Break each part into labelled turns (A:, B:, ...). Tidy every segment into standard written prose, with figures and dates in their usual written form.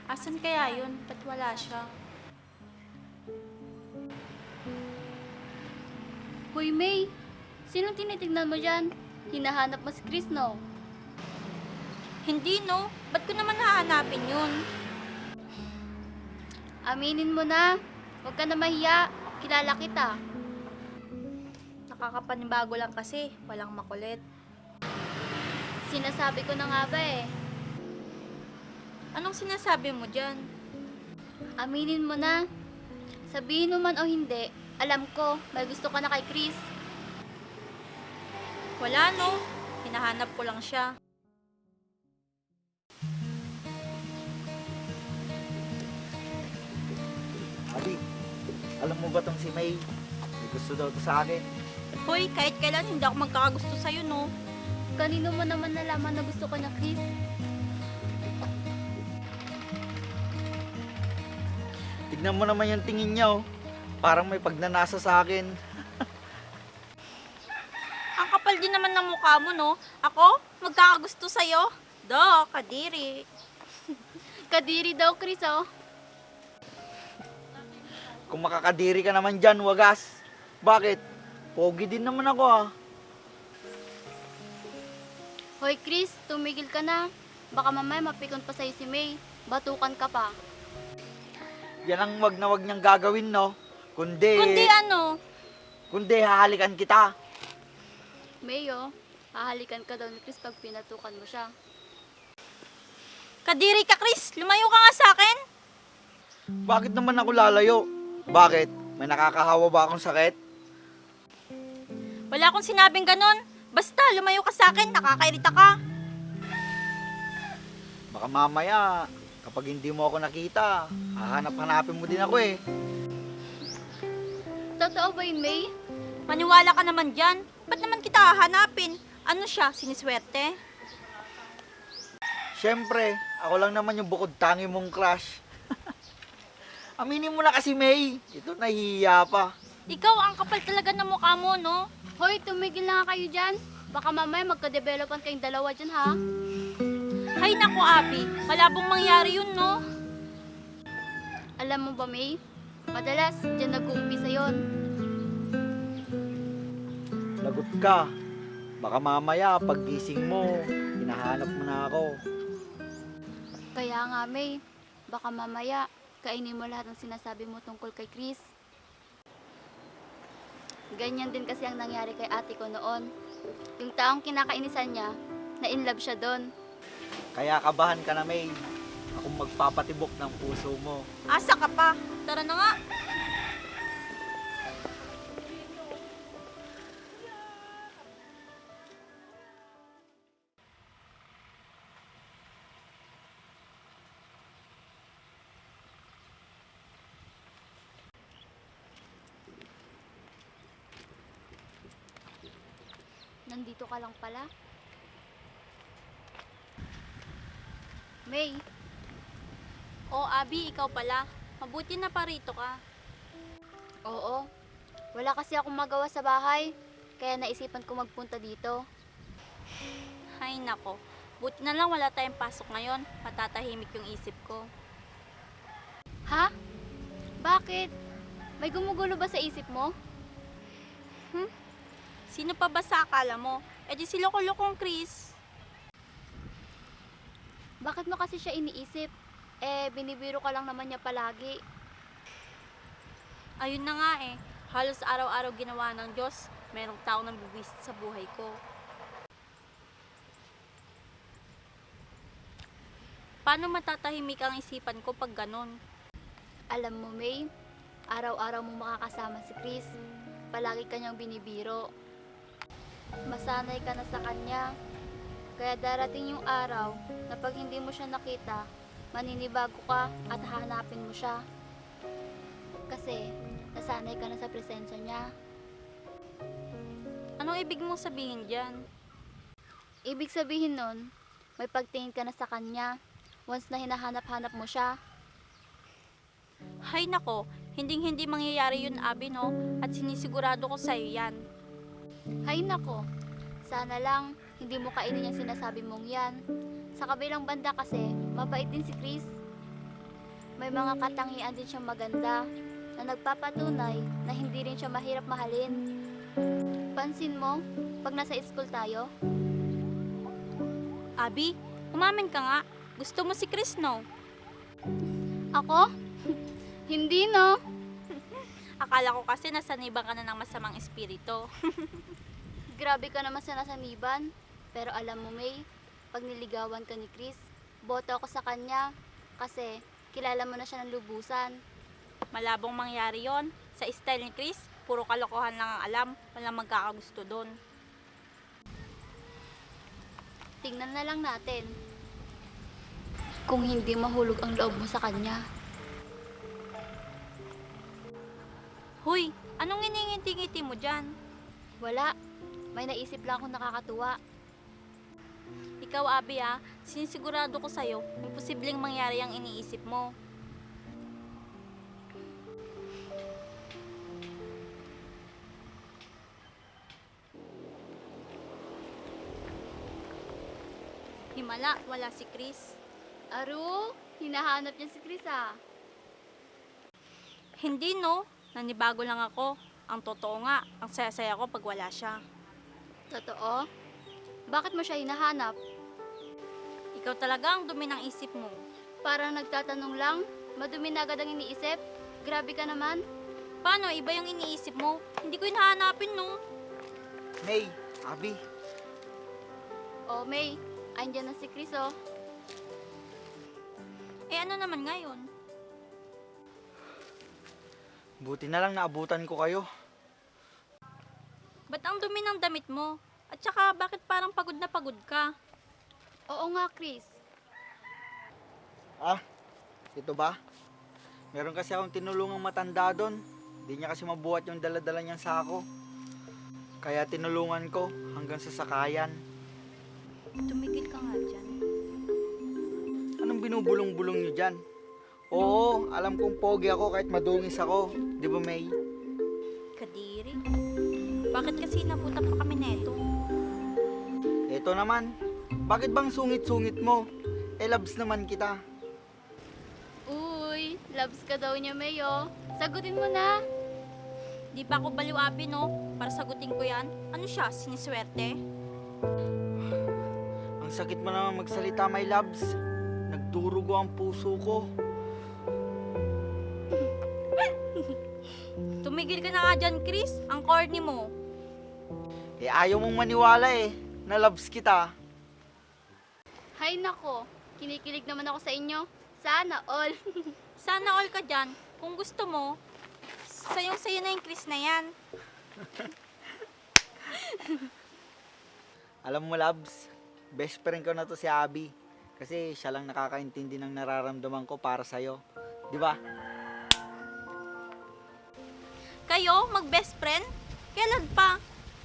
A: Asan kaya yun? Ba't wala siya?
B: Hoy May, sinong tinitignan mo dyan? Hinahanap mo si Chris, no?
A: Hindi no? Ba't ko naman hahanapin yun?
B: Aminin mo na. Huwag ka na mahiya. Kilala kita.
A: Nakakapanibago lang kasi. Walang makulit.
B: Sinasabi ko na nga ba eh.
A: Anong sinasabi mo dyan?
B: Aminin mo na. Sabihin mo man o hindi, alam ko, may gusto ka na kay Chris.
A: Wala no? Hinahanap ko lang siya.
C: Abi, alam mo ba tong si May? May gusto daw to sa akin.
A: Hoy, kahit kailan hindi ako magkakagusto sa'yo no?
B: Kanino mo naman nalaman na gusto ka na Chris?
C: Tignan mo naman yung tingin niya oh. Parang may pagnanasa sa akin.
A: Ang kapal din naman ng mukha mo no? Ako? Magkakagusto sa'yo? Kadiri.
B: Kadiri daw Chris, oh.
C: Kung makakadiri ka naman dyan, wagas. Bakit? Pogi din naman ako ah.
B: Hoy Chris, tumigil ka na. Baka mamaya mapikon pa sa'yo si May. Batukan ka pa.
C: Yan ang wag na wag niyang gagawin no. Kundi
A: Kundi
C: hahalikan kita.
B: May, oh. Hahalikan ka daw ni Chris pag pinatukan mo siya.
A: Kadiri ka, Chris! Lumayo ka nga sa akin!
C: Bakit naman ako lalayo? Bakit? May nakakahawa ba akong sakit?
A: Wala akong sinabing ganun. Basta, lumayo ka sa akin. Nakakairita ka.
C: Baka mamaya, kapag hindi mo ako nakita, hahanap-hanapin mo din ako eh.
B: Totoo ba yun, May?
A: Maniwala ka naman dyan. Ba't naman kita hahanapin? Ano siya? Siniswerte?
C: Siyempre, ako lang naman yung bukod tangi mong crush. Aminin mo na kasi, May. Ito, nahihiya pa.
A: Ikaw, ang kapal talaga ng mukha mo, no?
B: Hoy, tumigil na nga kayo dyan. Baka mamaya magka-developan kayong dalawa dyan, ha?
A: Hay naku, Abi. Malabong mangyari yun, no?
B: Alam mo ba, May? Madalas, dyan nag-uumpisa yun.
C: Lagot ka. Baka mamaya, pag gising mo, hinahanap mo na ako.
B: Kaya nga, May, baka mamaya, kainin mo lahat ng sinasabi mo tungkol kay Chris. Ganyan din kasi ang nangyari kay ate ko noon. Yung taong kinakainisan niya, na-inlove siya doon.
C: Kaya kabahan ka na, May. Akong magpapatibok ng puso mo.
A: Asa ka pa. Tara na nga.
B: Nandito ka lang pala. May,
A: Abi, ikaw pala. Mabuti na parito ka.
B: oo. Wala kasi akong magawa sa bahay, kaya naisipan ko magpunta dito.
A: Hay nako. Buti na lang wala tayong pasok ngayon. Matatahimik yung isip ko.
B: Ha? Bakit? May gumugulo ba sa isip mo?
A: Sino pa ba sa akala mo? E di si Loko-Lokong Chris.
B: Bakit mo kasi siya iniisip? Binibiro ka lang naman niya palagi.
A: Ayun na nga eh. Halos araw-araw ginawa ng Diyos. Merong tao nang bibwisit sa buhay ko. Paano matatahimik ang isipan ko pag ganon?
B: Alam mo, May, araw-araw mo makakasama si Chris. Palagi kanyang binibiro. Masanay ka na sa kanya. Kaya darating yung araw na pag hindi mo siya nakita, maninibago ka at hahanapin mo siya. Kasi nasanay ka na sa presensya niya.
A: Anong ibig mong sabihin dyan?
B: Ibig sabihin nun, may pagtingin ka na sa kanya once na hinahanap-hanap mo siya.
A: Hay nako, hinding-hindi mangyayari yun, Abi, no? At sinisigurado ko sa'yo yan.
B: Hay nako, sana lang hindi mo kainin yung sinasabi mong yan. Sa kabilang banda kasi, mabait din si Chris. May mga katangian din siyang maganda na nagpapatunay na hindi rin siya mahirap mahalin. Pansin mo, pag nasa school tayo,
A: Abi, umamin ka nga. Gusto mo si Chris, no?
B: ako? Hindi no.
A: Akala ko kasi nasaniban ka na ng masamang espiritu.
B: Grabe ka naman sa nasaniban. Pero alam mo, May, pag niligawan ka ni Chris, boto ako sa kanya kasi kilala mo na siya ng lubusan.
A: Malabong mangyari yon. Sa style ni Chris, puro kalokohan lang ang alam. Walang magkakagusto doon.
B: Tingnan na lang natin kung hindi mahulog ang loob mo sa kanya.
A: Huy, anong iningiti-ngiti mo dyan?
B: Wala. May naisip lang akong nakakatuwa.
A: Ikaw, Abi, sinisigurado ko sa'yo, imposibleng mangyari ang iniisip mo. Himala, wala si Chris.
B: Aru, hinahanap niya si Chris ah.
A: Hindi, no. Nanibago lang ako. Ang totoo nga, ang saya-saya ko pag wala siya.
B: Totoo? Bakit mo siya hinahanap?
A: Ikaw talaga ang dumi ng isip mo.
B: Parang nagtatanong lang, madumi na agad ang iniisip. Grabe ka naman.
A: Paano? Iba yung iniisip mo. Hindi ko hinahanapin, no.
C: May, Abi,
B: Oh, May, andyan na si Chris oh.
A: Eh ano naman ngayon?
C: buti na lang naabutan ko kayo.
A: Ba't ang dumi ng damit mo? At saka, bakit parang pagod na pagod ka?
B: Oo nga, Chris.
C: Ah, ito ba? Meron kasi akong tinulungang matanda doon. Hindi niya kasi mabuhat yung daladala niyang sako. Kaya tinulungan ko hanggang sa sakayan.
A: Tumigil ka nga dyan.
C: Anong binubulong-bulong niyo dyan? Oo, alam kong pogi ako kahit madungis ako. Di ba, May?
A: Kadiri. Bakit kasi naputan pa kami neto?
C: Ito naman. Bakit bang sungit-sungit mo? Loves naman kita.
B: Uy, loves ka daw niya, May oh. Sagutin mo na.
A: Di pa ako baliw, Abi, no? Para sagutin ko yan. Ano siya? Siniswerte?
C: Ang sakit mo naman magsalita, my loves. Nagdurugo ang puso ko.
A: Tumigil ka na nga dyan, Chris. Ang corny mo.
C: Ayaw mong maniwala na loves kita.
B: Hay nako, kinikilig naman ako sa inyo. Sana all.
A: Sana all ka dyan. Kung gusto mo, sayong-sayo na yung Chris na yan.
C: Alam mo, loves, best friend ko na to si Abby. Kasi siya lang nakakaintindi ng nararamdaman ko para sa'yo. Di ba?
A: Kayo, mag-best friend? Kailan pa?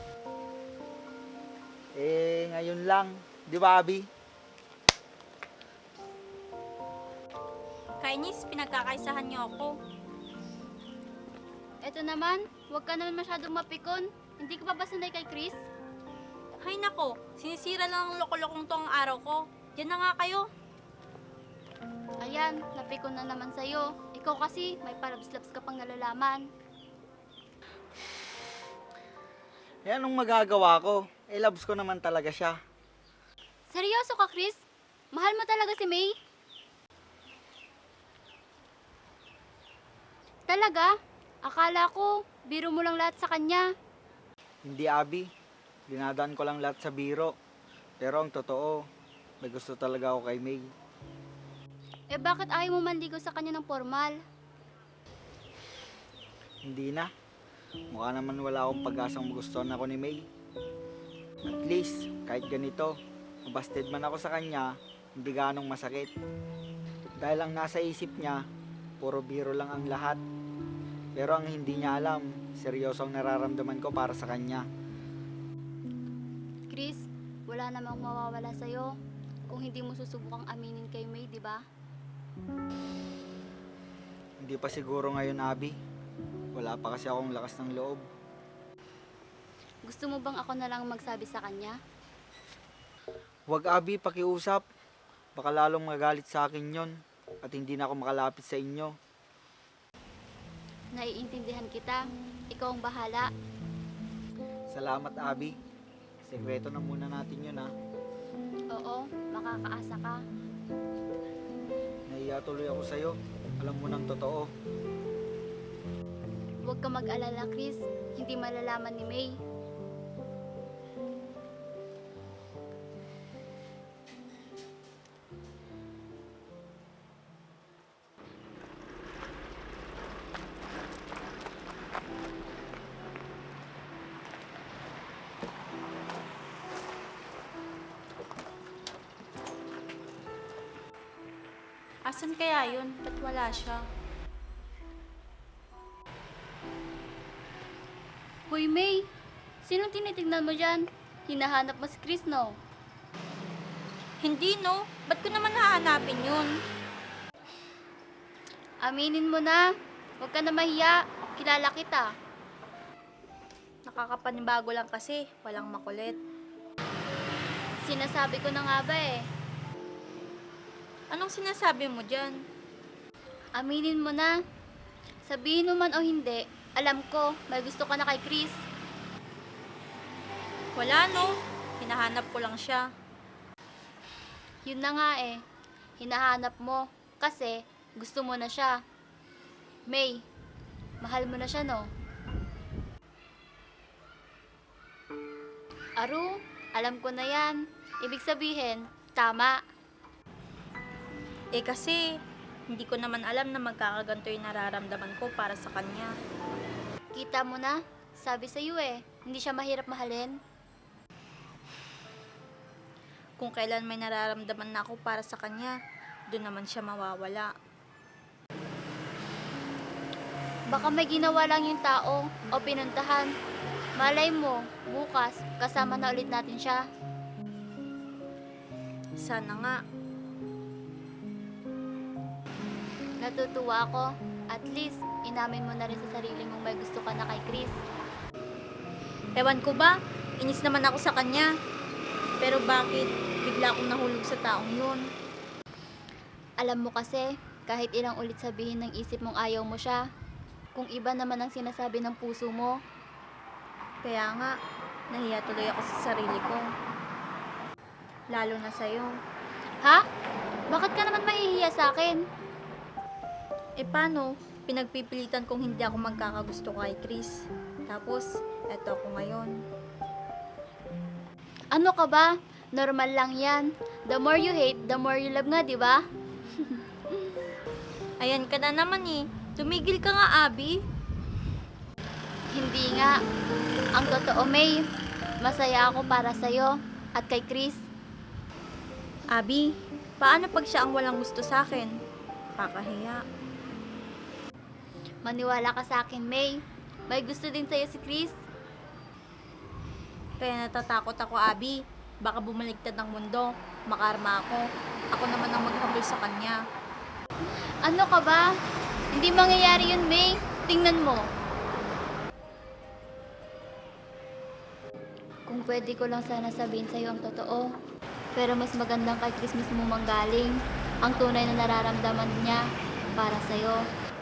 C: Ngayon lang. Di ba, Abby?
A: Kainis, pinagkakaisahan niyo ako.
B: Eto naman, huwag ka naman masyadong mapikon. Hindi ka pa ba sanay kay Chris?
A: Hay nako, sinisira lang ng loko-lokong to ang araw ko. Diyan na nga kayo.
B: Ayan, napikon na naman sa'yo. Ikaw kasi, may palabs-labs ka pang nalalaman.
C: Anong magagawa ko? Loves ko naman talaga siya.
B: Seryoso ka, Chris? Mahal mo talaga si May? Talaga? Akala ko, biro mo lang lahat sa kanya.
C: Hindi, Abby. Dinadaan ko lang lahat sa biro. Pero ang totoo, may gusto talaga ako kay May.
B: Eh bakit ayaw mo manligo sa kanya ng formal?
C: Hindi na. Mukha naman wala akong pag-asang magustuhan ako ni May. At least, kahit ganito, mabasted man ako sa kanya, hindi ganong masakit. Dahil ang nasa isip niya, puro biro lang ang lahat. Pero ang hindi niya alam, seryoso ang nararamdaman ko para sa kanya.
B: Chris, wala namang mawawala sa'yo kung hindi mo susubukang aminin kay May, di ba?
C: Hindi pa siguro ngayon, Abby. Wala pa kasi akong lakas ng loob.
B: Gusto mo bang ako na lang magsabi sa kanya?
C: Huwag, Abby, pakiusap. Baka lalong magalit sa akin yon. at hindi na ako makalapit sa inyo.
B: Naiintindihan kita. Ikaw ang bahala.
C: Salamat, Abby. Sekreto na muna natin yun, ha.
B: Oo, makakaasa ka.
C: Nahiya tuloy ako sa'yo. Alam mo ng totoo.
B: Huwag ka mag-alala, Chris. Hindi malalaman ni May.
A: Asan kaya yun? Ba't wala siya?
B: Hoy, May! Sinong tinitignan mo dyan? Hinahanap mo si Chris, no?
A: Hindi no, ba't ko naman hahanapin yun?
B: Aminin mo na. Huwag ka na mahiya. Kilala kita.
A: Nakakapanibago lang kasi, walang makulit.
B: Sinasabi ko na nga ba eh.
A: Anong sinasabi mo dyan?
B: Aminin mo na. Sabihin mo man o hindi, alam ko, may gusto ka na kay Chris.
A: Wala no, hinahanap ko lang siya.
B: Yun na nga eh. Hinahanap mo. Kasi, gusto mo na siya. May, mahal mo na siya, no? Aru, alam ko na yan. Ibig sabihin, tama.
A: Eh kasi, hindi ko naman alam na magkakaganto yung nararamdaman ko para sa kanya.
B: Kita mo na, sabi sa'yo eh, hindi siya mahirap mahalin.
A: Kung kailan may nararamdaman na ako para sa kanya, doon naman siya mawawala.
B: Baka may ginawa lang yung tao o pinuntahan. Malay mo, bukas, kasama na ulit natin siya.
A: Sana nga.
B: Natutuwa ako. At least, inamin mo na rin sa sarili mong may gusto ka na kay Chris.
A: Ewan ko ba, inis naman ako sa kanya. Pero bakit bigla akong nahulog sa taong yun?
B: Alam mo kasi, kahit ilang ulit sabihin ng isip mong ayaw mo siya, kung iba naman ang sinasabi ng puso mo,
A: Kaya nga, nahiya tuloy ako sa sarili ko. Lalo na sa'yo.
B: ha? Bakit ka naman mahihiya sa akin?
A: Eh paano? Pinagpipilitan kong hindi ako magkakagusto kay Chris. Tapos, eto ako ngayon.
B: Ano ka ba? Normal lang yan. The more you hate, the more you love nga, di ba?
A: Ayan ka na naman eh. Tumigil ka nga, Abby.
B: Hindi nga. Ang totoo, May, masaya ako para sa'yo at kay Chris.
A: Abby, paano pag siya ang walang gusto sa akin? Kakahiya.
B: Maniwala ka sa akin, May. May gusto din sa'yo si Chris.
A: Kaya natatakot ako, Abby. Baka bumaligtad ng mundo. Makarma ako. Ako naman ang maghabol sa kanya.
B: Ano ka ba? Hindi mangyayari yun, May. Tingnan mo. Kung pwede ko lang sana sabihin sa'yo ang totoo. Pero mas magandang kay Chris mismo manggaling ang tunay na nararamdaman niya para sa'yo.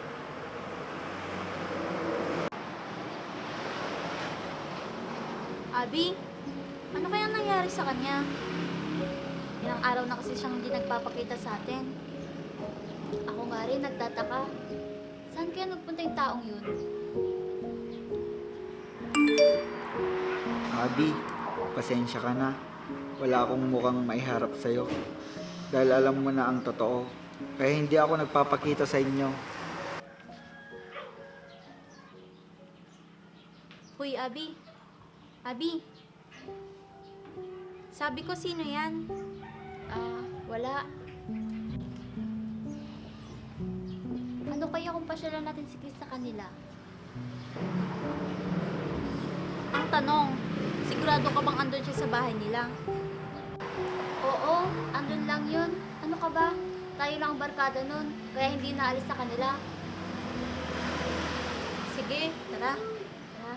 A: Abby, ano kaya nangyari sa kanya? Ilang araw na kasi siyang hindi nagpapakita sa atin.
B: Ako nga rin nagtataka. Saan kaya nagpunta yung taong yun?
C: Abby, pasensya ka na. Wala akong mukhang maiharap sa'yo. Dahil alam mo na ang totoo. Kaya hindi ako nagpapakita sa inyo.
A: Hoy, Abby. Abby. Sabi ko, sino yan?
B: Wala. Ano kaya kung pasyalan natin si Chris sa kanila?
A: Ang tanong, sigurado ka bang andun siya sa bahay nila?
B: Oo, andun lang yun. Ano ka ba? Tayo lang ang barkada nun, kaya hindi naalis sa kanila.
A: Sige, tara.
B: Ha?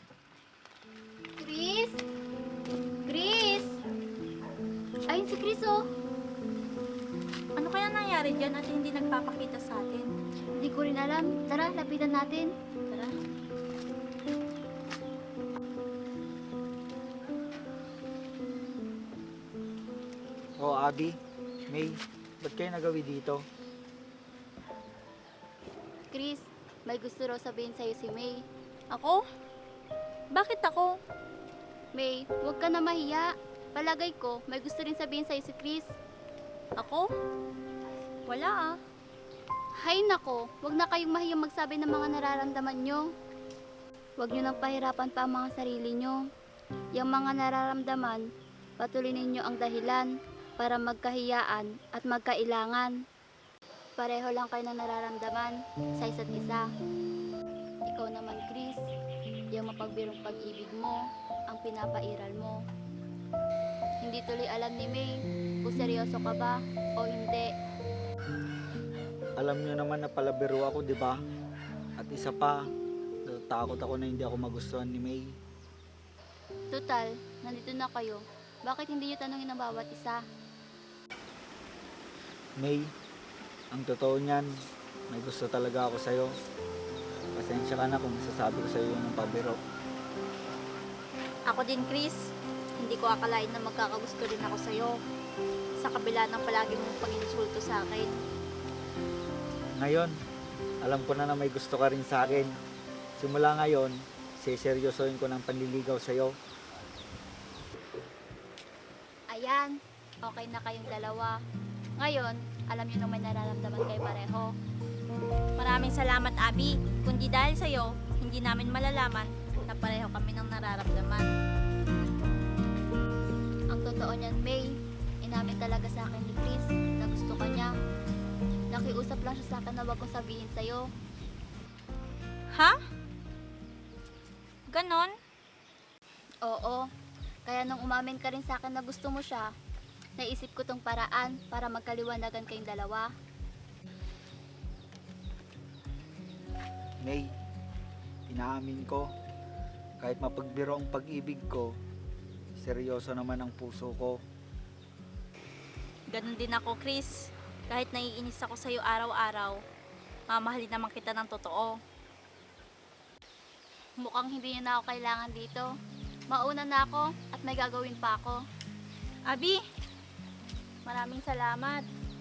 B: Chris? Chris? Ayun si Chris, oh.
A: Ano kaya nangyari dyan at hindi nagpapakita sa atin?
B: Hindi ko rin alam. Tara, lapitan natin.
A: Tara.
C: Oh, Abby, May, ba't kayo nagawi dito?
B: Chris, may gusto raw sabihin sa'yo si May.
A: Ako? Bakit ako?
B: May, huwag ka na mahiya. Palagay ko, may gusto rin sabihin sa'yo si Chris.
A: Ako? Wala ah.
B: Hay nako, huwag na kayong mahiyang magsabi ng mga nararamdaman nyo. Huwag nyo nang pahirapan pa ang mga sarili nyo. Yung mga nararamdaman, patuloy ninyo ang dahilan para magkahiyaan at magkailangan. Pareho lang kayo ng nararamdaman sa isa't isa. Ikaw naman, Chris, yung mapagbirong pag-ibig mo, ang pinapairal mo. Hindi tuloy alam ni May kung seryoso ka ba o hindi.
C: Alam nyo naman na palabiro ako, di ba? At isa pa, natatakot ako na hindi ako magustuhan ni May.
B: Total, nandito na kayo. Bakit hindi nyo tanungin ang bawat isa?
C: May, ang totoo niyan, may gusto talaga ako sa'yo. Pasensya ka na kung masasabi ko sa'yo ng pabiro.
A: Ako din, Chris. Hindi ko akalain na magkakagusto rin ako sa'yo. Sa kabila ng palagi mong pag-insulto sa akin.
C: Ngayon, alam ko na may gusto ka rin sa akin. Simula ngayon, seseryosohin ko ng panliligaw sa'yo.
B: Ayan, okay na kayong dalawa. Ngayon, alam niyo na may nararamdaman kayo pareho.
A: Maraming salamat, Abby. Kundi dahil sa'yo, hindi namin malalaman na pareho kami ng nararamdaman.
B: Ang totoo niyan, May, inamin talaga sa akin ni Chris na gusto ka niya. Nakiusap lang siya sa akin na wag kong sabihin sa'yo.
A: Ha? Ganon?
B: Oo, kaya nung umamin ka rin sa akin na gusto mo siya, naisip ko tong paraan para magkaliwanagan kayong dalawa.
C: May, inaamin ko, kahit mapagbiro ang pag-ibig ko, seryoso naman ang puso ko.
A: Ganon din ako, Chris. Kahit naiinis ako sa'yo araw-araw, mamahalin naman kita ng totoo.
B: Mukhang hindi niyo na ako kailangan dito. Mauna na ako at may gagawin pa ako.
A: Abby, maraming salamat.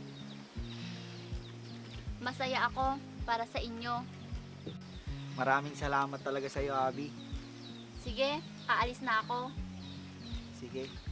B: Masaya ako para sa inyo.
C: Maraming salamat talaga sa'yo, Abby.
B: Sige, aalis na ako.
C: Sige.